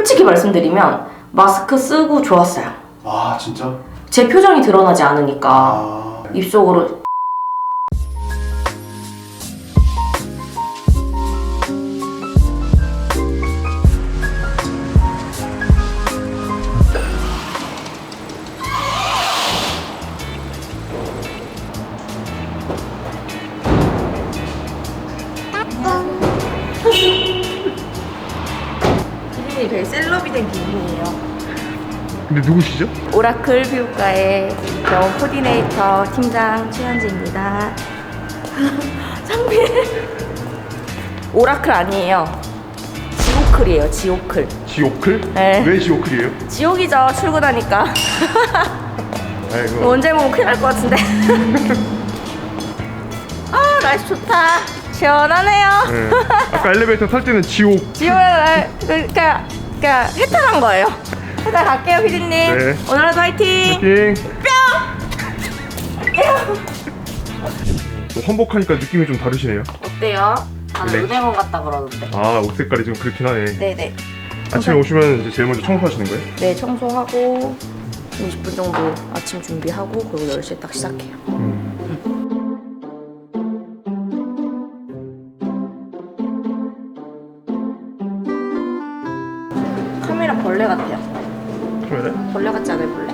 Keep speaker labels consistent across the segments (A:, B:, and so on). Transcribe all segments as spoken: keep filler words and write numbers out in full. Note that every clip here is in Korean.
A: 솔직히 말씀드리면 마스크 쓰고 좋았어요.
B: 아 진짜?
A: 제 표정이 드러나지 않으니까
B: 아...
A: 입속으로. 피디님이 되게 셀럽이 된 기분이에요.
C: 근데 누구시죠?
A: 오라클 피부과의 병원 코디네이터 팀장 최현지입니다. 상빈. 오라클 아니에요. 지오클이에요. 지오클.
C: 지오클?
A: 네.
C: 왜 지오클이에요?
A: 지옥이죠. 출근하니까.
C: 아이고.
A: 언제 보면 큰일 날 것 같은데. 아 날씨 좋다. 시원하네요.
C: 네. 아까 엘리베이터 탈 때는 지옥.
A: 지옥 그러니까 그러니까 해탈한 거예요. 해탈 갈게요, 피디님.
C: 네.
A: 오늘 하루 화이팅.
C: 띵. 또 환복하니까 느낌이 좀 다르시네요.
A: 어때요? 다들
C: 네.
A: 은행원 같다 그러던데.
C: 아, 옷 색깔이 좀 그렇긴 하네.
A: 네네.
C: 아침에 오시면 이제 제일 먼저 청소하시는 거예요?
A: 네, 청소하고 이십 분 정도 아침 준비하고 그리고 열 시에 딱 시작해요.
C: 음.
A: 카메라 벌레 같아요.
C: 카메라?
A: 벌레 같지 않아요, 벌레?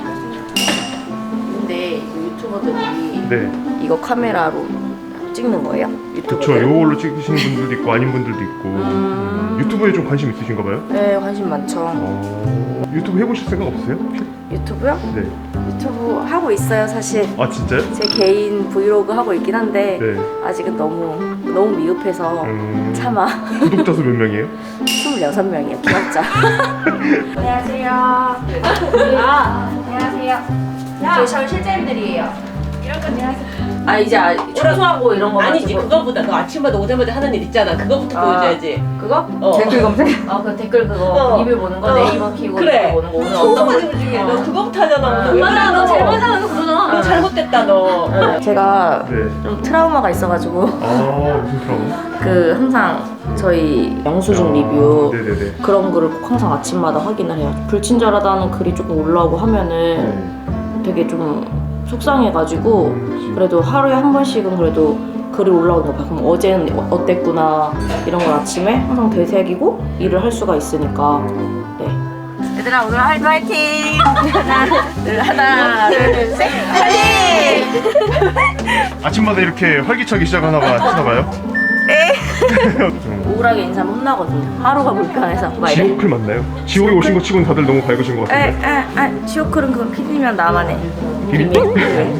A: 근데 유튜버들이
C: 네.
A: 이거 카메라로 찍는 거예요?
C: 그쵸.
A: 유튜버들?
C: 요걸로 찍으시는 분들도 있고 아닌 분들도 있고.
A: 음...
C: 유튜브에 좀 관심 있으신가 봐요?
A: 네, 관심 많죠.
C: 어... 유튜브 해보실 생각 없으세요?
A: 유튜브요?
C: 네.
A: 유튜브 하고 있어요, 사실.
C: 아, 진짜요?
A: 제 개인 브이로그 하고 있긴 한데
C: 네.
A: 아직은 너무 너무 미흡해서
C: 음...
A: 참아.
C: 구독자 수 몇 명이에요?
A: 스물여섯 명이에요, 기억자. 안녕하세요. 아, 안녕하세요. 저희 저희 실장님들이에요. 이런 거 안녕하세요. 아 이제 아, 청소하고 이런 거
D: 아니지,
A: 가지고.
D: 그거보다 너 아침마다 오자마자 하는 일 있잖아. 그거부터
A: 아.
D: 보여줘야지.
A: 그거?
D: 어.
A: 댓글 검색? 아 그 댓글 그거
D: 어.
A: 리뷰 보는 거
D: 어.
A: 네이버 키고
D: 그래.
A: 보는 거 오늘
D: 청소
A: 어떤
D: 과정
A: 거-
D: 중에
A: 어.
D: 너 그거부터 하잖아.
A: 아,
D: 오늘. 왜
A: 맞아,
D: 그래,
A: 너 제일
D: 너.
A: 먼저 하는 거 그거잖아.
D: 너 잘못됐다 너.
A: 네, 제가
C: 네.
A: 좀 트라우마가 있어가지고
C: 아, 무슨 트라우마?
A: 그 항상 저희 영수증
C: 아,
A: 리뷰
C: 네네네.
A: 그런 거를 꼭 항상 아침마다 확인을 해요. 불친절하다는 글이 조금 올라오고 하면은
C: 네.
A: 되게 좀 속상해가지고
C: 음, 그치.
A: 그래도 하루에 한 번씩은 그래도 글이 올라오는 거 봐. 그럼 어제는 어- 어땠구나 이런 걸 아침에 항상 되새기고 일을 할 수가 있으니까. 네. 얘들아 오늘 하이도 화이팅! 하나, 둘, 하나, 둘, 셋, 화이팅!
C: 아침마다 이렇게 활기차게 시작하나 봐, 하나 봐요?
A: 네.
C: 좀
A: 우울하게 인사하면 혼나거든요. 하루가 불편해서. 막 이래.
C: 지오클 맞나요? 지옥에 오신 거 치고는 다들 너무 밝으신 것
A: 에,
C: 같은데.
A: 에, 에, 지오클은 그건 피디면 나만 해.
C: 비밀?
A: 네.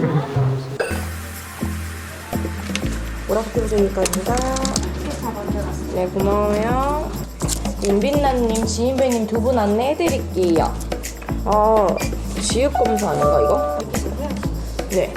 A: 오락교수님까지입니다. 네, 고마워요. 윤빛나님, 지인배님 두 분 안내해드릴게요. 아, 지읒 검사 아닌가, 이거? 네.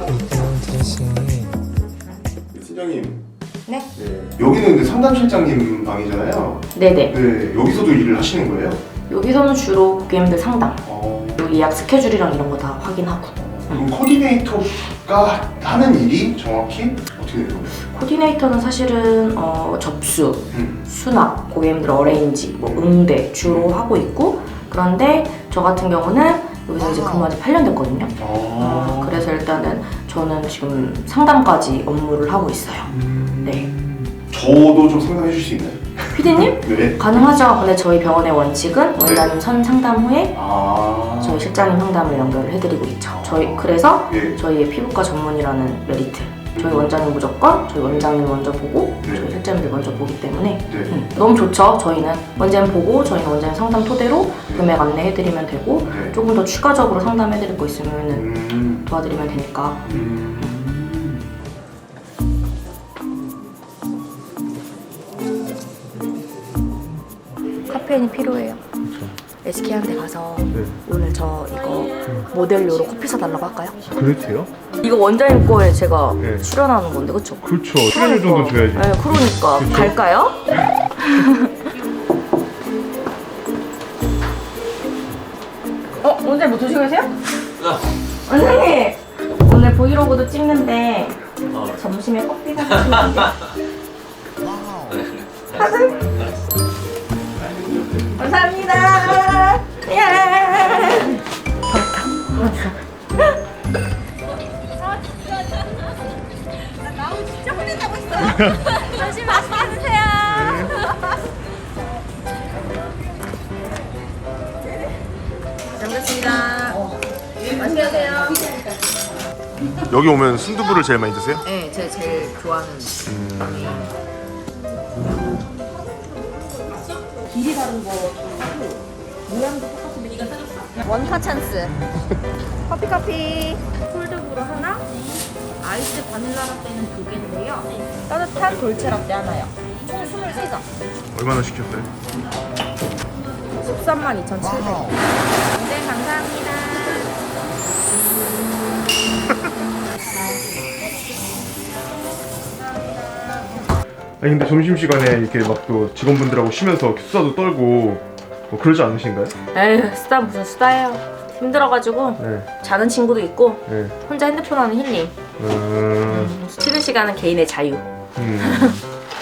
B: 팀장님.
A: 네?
B: 네. 여기는 근데 상담실장님 방이잖아요.
A: 네네.
B: 네. 여기서도 일을 하시는 거예요?
A: 여기서는 주로 고객님들 상담,
B: 어...
A: 그리고 예약 스케줄이랑 이런 거 다 확인하고.
B: 그럼 코디네이터가 하는 일이 정확히 어떻게 되는 거예요?
A: 코디네이터는 사실은 어, 접수,
B: 음.
A: 수납, 고객님들 어레인지, 뭐 응대 주로 하고 있고, 그런데 저 같은 경우는 여기서 이제 근무한 지 팔 년 됐거든요. 어,
B: 아...
A: 그래서 일단은 저는 지금 상담까지 업무를 하고 있어요.
B: 음...
A: 네.
B: 저도 좀 상담해 주실 수 있나요?
A: 피디님?
B: 네.
A: 가능하죠. 근데 저희 병원의 원칙은 원장님 선 상담 후에
B: 아...
A: 저희 실장님 상담을 연결을 해드리고 있죠. 저희 그래서
B: 예.
A: 저희의 피부과 전문이라는 메리트. 저희 원장님 무조건 저희 원장님 먼저 보고
B: 네.
A: 저희 실장님들 먼저 보기 때문에
B: 네.
A: 음, 너무 좋죠. 저희는 원장님 보고 저희는 원장님 상담 토대로 금액 안내해드리면 되고
B: 네.
A: 조금 더 추가적으로 상담해드릴 거 있으면
B: 음...
A: 도와드리면 되니까.
B: 음...
A: 카페인이 필요해요. 에스케이한테 가서
C: 네.
A: 오늘 저 이거 모델료로 커피 사달라고 할까요?
C: 그래도 돼요?
A: 이거 원장님 거에 제가
C: 네.
A: 출연하는 건데 그쵸?
C: 그렇죠. 출연료 정도 줘야지.
A: 네, 그러니까
C: 그쵸?
A: 갈까요? 어? 원장님 뭐 드시고 계세요? 원장님! 오늘 브이로그도 찍는데 점심에 커피 사주시면 안 돼요? 사준? 감사합니다. 예.
E: 조심 맛있게 드세요.
A: 잘 먹겠습니다. 맛있게 드세요.
C: 여기 오면 순두부를 제일 많이 드세요?
A: 네, 제가 제일 좋아하는.
E: 원파 찬스. 커피 커피. 콜드브루 하나, 아이스 바닐라 라떼는 두 개인데요. 따뜻한 돌체 라떼 하나요. 총 스물세 점.
C: 얼마나 시켰어요?
E: 십삼만 이천칠백 원. 네, 감사합니다.
C: 아니 근데 점심시간에 이렇게 막 또 직원분들하고 쉬면서 수다도 떨고 뭐 그러지 않으신가요?
A: 에휴, 수다 무슨 수다예요. 힘들어가지고
C: 네.
A: 자는 친구도 있고
C: 네.
A: 혼자 핸드폰 하는 힐링.
C: 음...
A: 쉬는 시간은 개인의 자유.
C: 음...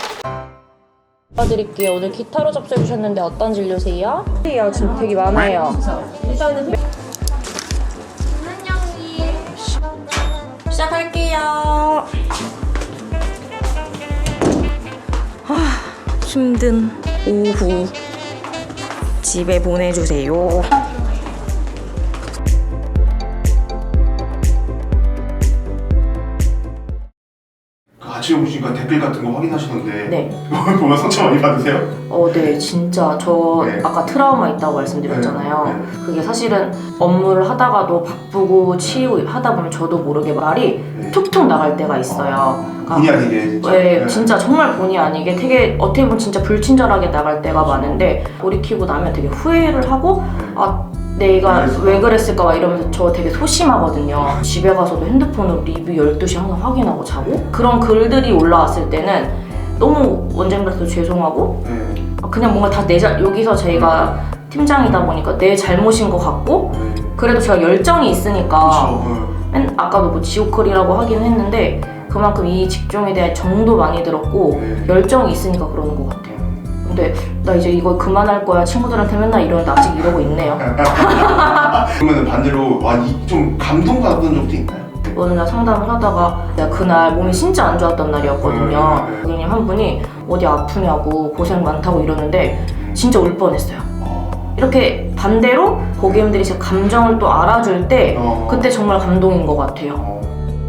A: 도와드릴게요. 오늘 기타로 접수해 주셨는데 어떤 진료세요? 요 지금 되게 많아요. 시작할게요. 하, 힘든 오후 집에 보내주세요.
B: 그 아침에 보시니까 댓글 같은 거 확인하시던데
A: 네.
B: 그걸 보면 상처 많이 받으세요?
A: 어, 네, 진짜 저
B: 네.
A: 아까 트라우마 있다고 말씀드렸잖아요.
B: 네, 네.
A: 그게 사실은 업무를 하다가도 바쁘고 치이고 하다 보면 저도 모르게 말이
B: 네.
A: 툭툭 나갈 때가 있어요. 그러니까
B: 본의 아니게 진짜.
A: 네,
B: 네.
A: 진짜 정말 본의 아니게 되게 어떻게 보면 진짜 불친절하게 나갈 때가 많은데 돌이키고 나면 되게 후회를 하고 아 내가
B: 그랬을까?
A: 왜 그랬을까 막 이러면서 저 되게 소심하거든요. 집에 가서도 핸드폰으로 리뷰 열두 시 항상 확인하고 자고 그런 글들이 올라왔을 때는 너무 원장님한테도 죄송하고
B: 네.
A: 그냥 뭔가 다 내 잘 여기서 저희가 팀장이다 보니까 내 잘못인 것 같고
B: 네.
A: 그래도 제가 열정이 있으니까
B: 그렇죠.
A: 맨 아까도 뭐 지오컬이라고 하긴 했는데 그만큼 이 직종에 대한 정도 많이 들었고
B: 네.
A: 열정이 있으니까 그러는 것 같아요. 근데 나 이제 이거 그만할 거야 친구들한테 맨날 이러는데 아직 이러고 있네요.
B: 그러면 반대로 와, 이, 좀 감동받았던 적도 있나요?
A: 어느 날 상담을 하다가 내가 그날 몸이 진짜 안 좋았던 날이었거든요.
B: 네, 네.
A: 고객님 한 분이 어디 아프냐고 고생 많다고 이러는데 진짜 울 뻔했어요.
B: 어.
A: 이렇게 반대로 고객님들이 제 감정을 또 알아줄 때
B: 어.
A: 그때 정말 감동인 것 같아요.
B: 어.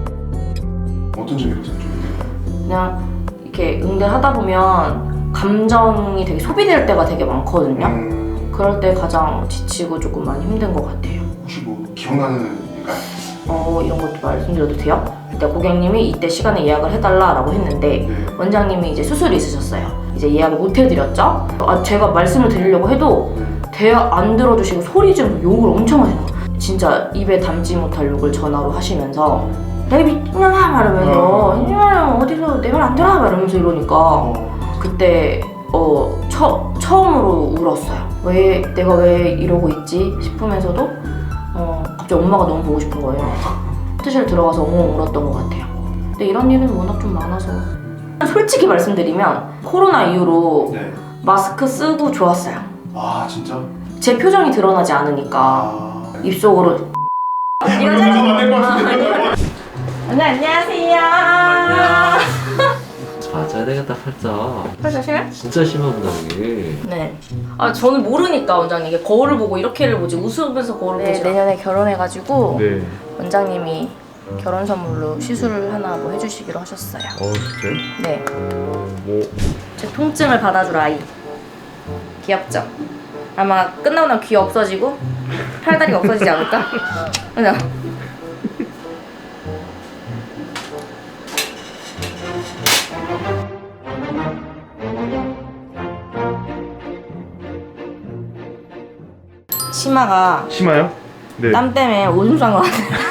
B: 어떤 점이 가장 좀
A: 그냥 이렇게 응대하다 보면 감정이 되게 소비될 때가 되게 많거든요.
B: 음,
A: 그럴 때 가장 지치고 조금 많이 힘든 것 같아요.
B: 혹시 뭐 기억나는 일까요?
A: 어, 이런 것도 말씀드려도 돼요? 그때 고객님이 이때 시간에 예약을 해달라라고 했는데
B: 네.
A: 원장님이 이제 수술이 있으셨어요. 이제 예약을 못 해드렸죠? 아, 제가 말씀을 드리려고 해도 대화 안 들어주시고 소리 지르면서 욕을 엄청 하시는 거예요. 진짜 입에 담지 못할 욕을 전화로 하시면서 내 미친년아 말하면서 이년아 어디서 내 말 안 들어 말하면서 이러니까
B: 어.
A: 그때 어 처, 처음으로 울었어요. 왜 내가 왜 이러고 있지 싶으면서도 어 갑자기 엄마가 너무 보고 싶은 거예요. 호텔 들어가서 엉엉 울었던 것 같아요. 근데 이런 일은 워낙 좀 많아서 솔직히 말씀드리면 코로나 이후로
B: 네.
A: 마스크 쓰고 좋았어요.
B: 아 진짜?
A: 제 표정이 드러나지 않으니까
B: 아.
A: 입속으로
B: 이러면서 만날 것 같은데.
A: 네, 안녕하세요.
F: 맞아야 되겠다 팔자.
A: 사실?
F: 진짜 심하구나 이게.
A: 네. 아 저는 모르니까 원장님 이게 거울을 보고 이렇게를 보지 웃으면서 거울을 보지. 네, 내년에 결혼해가지고
C: 네.
A: 원장님이 결혼 선물로 시술을 하나 뭐 해주시기로 하셨어요.
C: 어 진짜요?
A: 네.
C: 어, 뭐
A: 제 통증을 받아줄 아이. 귀엽죠? 아마 끝나고 나면 귀 없어지고 팔다리가 없어지지 않을까? 그죠? 치마가
C: 심해요? 네.
A: 땀 때문에 오줌 싼것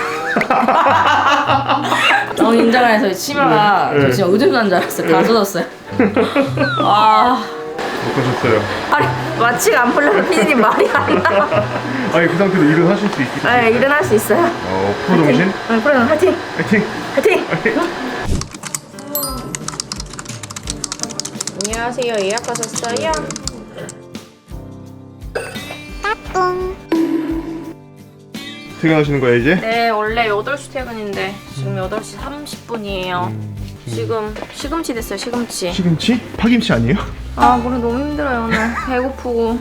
A: 같아요. 너무 인정을 해서 치마가
C: 네.
A: 저 진짜 오줌 싼 줄 알았어요. 다 젖었어요. 아,
C: 못 가셨어요.
A: 아니 마취가 안 풀려서 피디님 말이 안 나.
C: 아니 그 상태로 일은 하실 수 있겠죠?
A: 네, 일어날 수 있어요.
C: 어 프로 정신?
A: 네, 프로 화이팅!
C: 화이팅!
A: 화이팅!
C: 화이팅!
A: 안녕하세요. 예약하셨어요?
C: 퇴근하시는 거야 이제?
A: 네, 원래 여덟 시 퇴근인데 지금 여덟 시 삼십 분이에요. 지금 시금치 됐어요, 시금치.
C: 시금치? 파김치 아니에요?
A: 아, 오늘 너무 힘들어요, 오늘. 배고프고.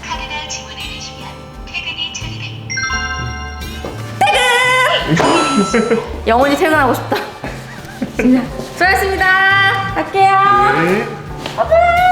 A: 퇴근! 영원히 퇴근하고 싶다. 진짜. 수고하셨습니다. 갈게요.
C: 네.
A: 바이바이.